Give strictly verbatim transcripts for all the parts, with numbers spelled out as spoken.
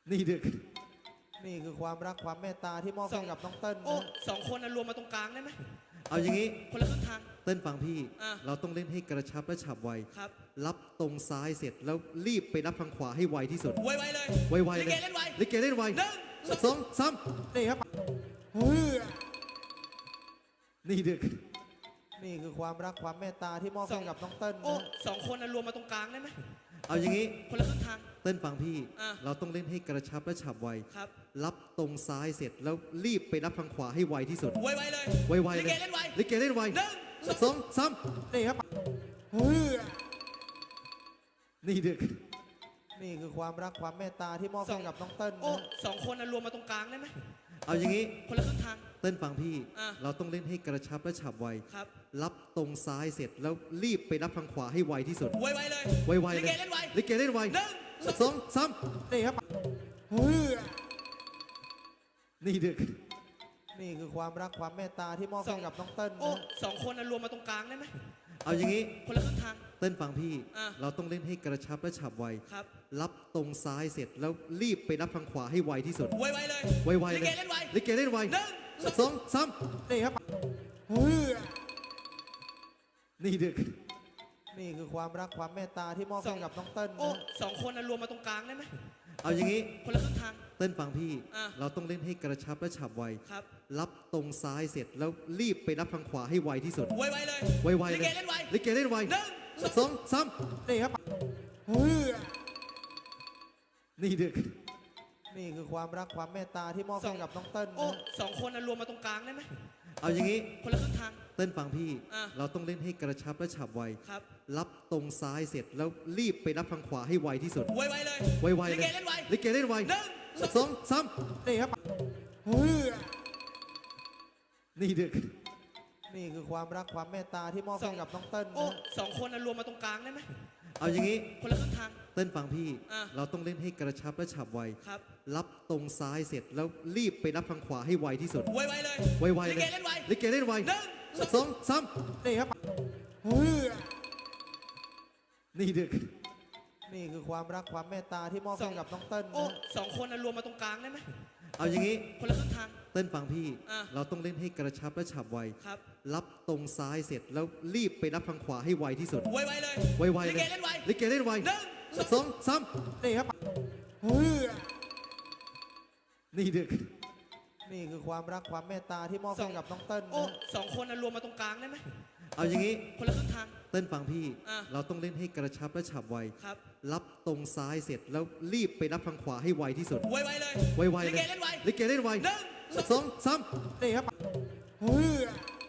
นี่ดึกนี่คือความรักความเมตตาที่มอบให้กับน้องเติ้ลโอ้นะสองคนน่ะรวมมาตรงกลางได้ไหมเอาอย่างนี้คนละครึ่งทางเต้นฟังพี่อ่ะเราต้องเล่นให้กระชับและฉับไวครับรับตรงซ้ายเสร็จแล้วรีบไปรับทางขวาให้ไวที่สุดไวๆเลยไวๆลิเลยเกเล่นไวลิเกเล่นไวหนึ่งสองสามนี่ครับเฮ้ยนี่ดึกนี่คือความรักความเมตตาที่มอบให้กับน้องเติ้ลโอ้นะสองคนน่ะรวมมาตรงกลางได้ไหมเอาอย่างนี้คนละครึ่งทางเต้นฟังพี่อ่ะเราต้องเล่นให้กระชับและฉับไวครับรับตรงซ้ายเสร็จแล้วรีบไปรับทางขวาให้ไวที่สุดไวๆเลยไวๆลิเลยเกเล่นไวลิเกเล่นไวหนึ่งสองสามนี่ครับเฮ้ยนี่ดึกนี่คือความรักความเมตตาที่มอบให้กับน้องเติ้ลโอ้นะสองคนน่ะรวมมาตรงกลางได้ไหมเอาอย่างนี้คนละครึ่งทางเต้นฟังพี่อ่ะเราต้องเล่นให้กระชับและฉับไวครับรับตรงซ้ายเสร็จแล้วรีบไปรับทางขวาให้ไวที่สุดไวๆเลยไวๆลิเลยเกเล่นไวลิเกเล่นไวหนึ่งสองสามนี่ครับเฮ้ยนี่ดึกนี่คือความรักความเมตตาที่มอบให้กับน้องเติ้ลโอ้นะสองคนน่ะรวมมาตรงกลางได้ไหมเอาอย่างนี้คนละครึ่งทางเต้นฟังพี่อ่ะเราต้องเล่นให้กระชับและฉับไวครับรับตรงซ้ายเสร็จแล้วรีบไปรับทางขวาให้ไวที่สุดไวๆเลยไวๆลิเลเกยเล่นไวลิเกเล่นไวหนึ่งสองสามนี่ครับเฮ้ยนี่ดึกนี่คือความรักความเมตตาที่มอบให้กับน้องเติ้ลโอ้นะสองคนน่ะรวมมาตรงกลางได้ไหมเอาอย่างนี้คนละครึ่งทางเต้นฟังพี่อ่ะเราต้องเล่นให้กระชับและฉับไวครับรับตรงซ้ายเสร็จแล้วรีบไปรับทางขวาให้ไวที่สุดไวๆเลยไวๆลิเลเกยเล่นไวลิเกเล่นไวหนึ่งสองสามนี่ครับเฮ้ยนี่ดึกนี่คือความรักความเมตตาที่มอบให้กับน้องเติ้ลโอ้นะสองคนน่ะรวมมาตรงกลางได้ไหมเอาอย่างนี้คนละครึ่งทางเต้นฟังพี่อ่ะเราต้องเล่นให้กระชับและฉับไวครับรับตรงซ้ายเสร็จแล้วรีบไปรับทางขวาให้ไวที่สุดไวๆเลยไวๆลิเลเกยเล่นไวลิเกเล่นไวหนึ่งสองสามนี่ครับเฮ้ยนี่ดึกนี่คือความรักความเมตตาที่มอบให้กับน้องเติ้ลโอ้นะสองคนน่ะรวมมาตรงกลางได้ไหมเอาอย่างนี้คนละครึ่งทางเต้นฟังพี่อ่ะเราต้องเล่นให้กระชับและฉับไวครับรับตรงซ้ายเสร็จแล้วรีบไปรับทางขวาให้ไวที่สุดไวๆเลยไวๆลิเลเกยเล่นไวลิเกเล่นไวหนึ่งสองสามนี่ครับเฮ้ยนี่ดึกนี่คือความรักความเมตตาที่มอบให้กับน้องเติ้ลโอ้นะสองคนน่ะรวมมาตรงกลางได้ไหมเอาอย่างนี้คนละครึ่งทางเต้นฟังพี่อ่ะเราต้องเล่นให้กระชับและฉับไวครับรับตรงซ้ายเสร็จแล้วรีบไปรับทางขวาให้ไวที่สุดไวๆเลยไวๆลิเลเกยเล่นไวลิเกเล่นไวหนึ่งสองสามนี่ครับเฮ้ยนี่ดึกนี่คือความรักความเมตตาที่มอบให้กับน้องเติ้ลโอ้นะสองคนน่ะรวมมาตรงกลางได้ไหมเอาอย่างนี้คนละครึ่งทางเต้นฟังพี่อ่ะเราต้องเล่นให้กระชับและฉับไวครับรับตรงซ้ายเสร็จแล้วรีบไปรับทางขวาให้ไวที่สุดไวๆเลยไวๆลิเลเกยเล่นไวลิเกเล่นไวหนึ่งสองสามนี่ครับเฮ้ย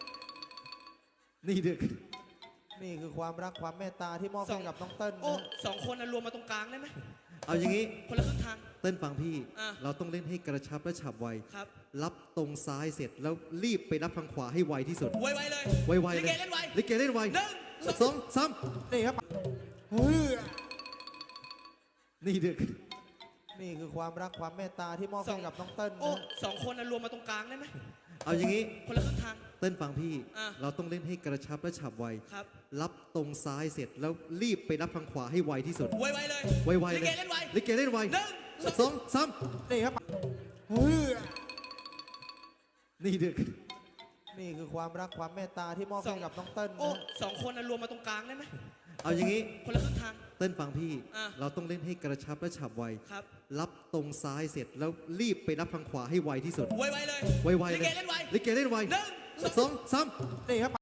นี่ดึกนี่คือความรักความเมตตาที่มอบให้กับน้องเติ้ลโอ้นะสองคนน่ะรวมมาตรงกลางได้ไหมเอาอย่างนี้คนละครึ่งทางเต้นฟังพี่อ่ะเราต้องเล่นให้กระชับและฉับไวครับรับตรงซ้ายเสร็จแล้วรีบไปรับทางขวาให้ไวที่สุดไวๆเลยไวๆลิเลเกยเล่นไวลิเกเล่นไวหนึ่งสองสามนี่ครับเฮ้ยนี่ดึกนี่คือความรักความเมตตาที่มอบให้กับน้องเติ้ลโอ้นะสองคนน่ะรวมมาตรงกลางได้ไหมเอาอย่างนี้คนละครึ่งทางเต้นฟังพี่อ่ะเราต้องเล่นให้กระชับและฉับไวครับรับตรงซ้ายเสร็จแล้วรีบไปรับทางขวาให้ไวที่สุดไวๆเลยไวๆลิเลเกยเล่นไวลิเกเล่นไวหนึ่งสองสามนี่ครับเฮ้ยนี่ดึกนี่คือความรักความเมตตาที่มอบให้กับน้องเติ้ลโอ้นะสองคนน่ะรวมมาตรงกลางได้ไหมเอาอย่างนี้คนละครึ่งทางเต้นฟังพี่อ่ะเราต้องเล่นให้กระชับและฉับไวครับรับตรงซ้ายเสร็จแล้วรีบไปรับทางขวาให้ไวที่สุดไวๆเลยไวๆลิเลเกยเล่นไวลิเกเล่นไวหนึ่งสองสามนี่ครับ